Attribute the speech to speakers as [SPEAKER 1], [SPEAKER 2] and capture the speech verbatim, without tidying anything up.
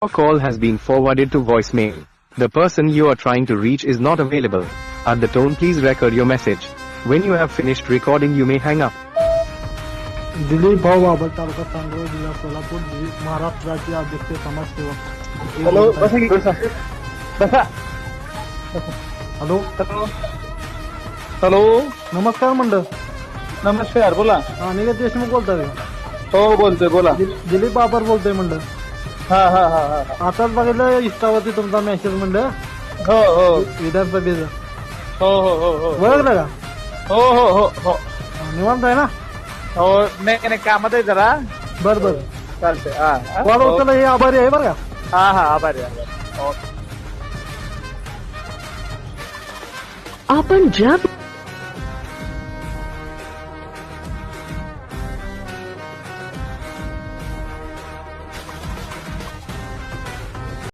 [SPEAKER 1] Your call has been forwarded to voicemail. The person you are trying to reach is not available. At the tone, please record your message. When you have finished recording, you may hang up.
[SPEAKER 2] Dilip भाऊ बाबर तालुका सांगोला जिल्हा सोलापूर महाराष्ट्र राज्य अध्यक्ष समाजसेवक.
[SPEAKER 3] Hello बसा की बसा बसा
[SPEAKER 2] hello
[SPEAKER 3] hello
[SPEAKER 2] नमस्कार मंडळ.
[SPEAKER 3] नमस्कार बोला.
[SPEAKER 2] हा निलेश देशमुख बोलतोय.
[SPEAKER 3] हो बोलतोय बोला.
[SPEAKER 2] दिलीप बाबर बोलतोय मंडळ.
[SPEAKER 3] हा हा हा हा
[SPEAKER 2] आताच बघितलं इंस्टावरती तुमचा मेसेज मंडळ
[SPEAKER 3] हो हो
[SPEAKER 2] विधानसभेचं.
[SPEAKER 3] हो हो हो हो
[SPEAKER 2] ओळखलं का?
[SPEAKER 3] हो हो हो हो
[SPEAKER 2] निवांत आहे ना?
[SPEAKER 3] हो नाही नाही कामात आहे जरा.
[SPEAKER 2] बर बर
[SPEAKER 3] चालतंय. हा हा.
[SPEAKER 2] कॉल उचलला हे आभारी आहे बरं का.
[SPEAKER 3] हा हा आभारी आहे. हो.
[SPEAKER 4] आपण ज्या